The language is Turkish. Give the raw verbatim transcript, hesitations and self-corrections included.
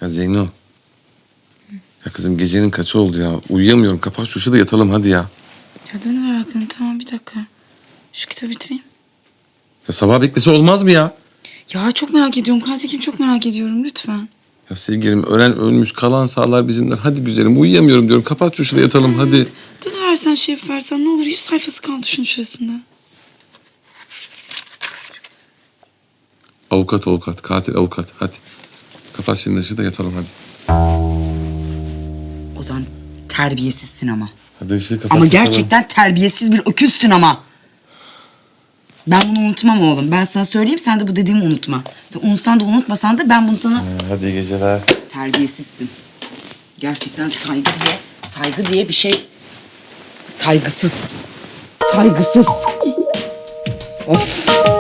Ya Zeyno. Ya kızım gecenin kaçı oldu ya? Uyuyamıyorum. Kapat şu ışığı da yatalım hadi ya. Ya dönüver aklını, tamam, bir dakika. Şu kitabı bitireyim. Ya sabah beklese olmaz mı ya? Ya çok merak ediyorum. Katil kim, çok merak ediyorum, lütfen. Ya sevgilim ölen ölmüş, kalan sağlar bizimler. Hadi güzelim uyuyamıyorum diyorum. Kapat şu ışığı da yatalım hadi. Dönüversen şey yaparsan ne olur, yüz sayfası kaldı şunun şurasında. Avukat avukat, katil avukat. Hadi. Kapat şimdi ışığı da yatalım hadi. Ozan terbiyesizsin ama. Hadi ışığı kapat. Ama yatalım. gerçekten terbiyesiz bir öküzsün ama. Ben bunu unutmam oğlum. Ben sana söyleyeyim, sen de bu dediğimi unutma. Sen unutsan da unutmasan da ben bunu sana... Ha, hadi iyi geceler. Terbiyesizsin. Gerçekten saygı diye, saygı diye bir şey... Saygısız. Saygısız. Of.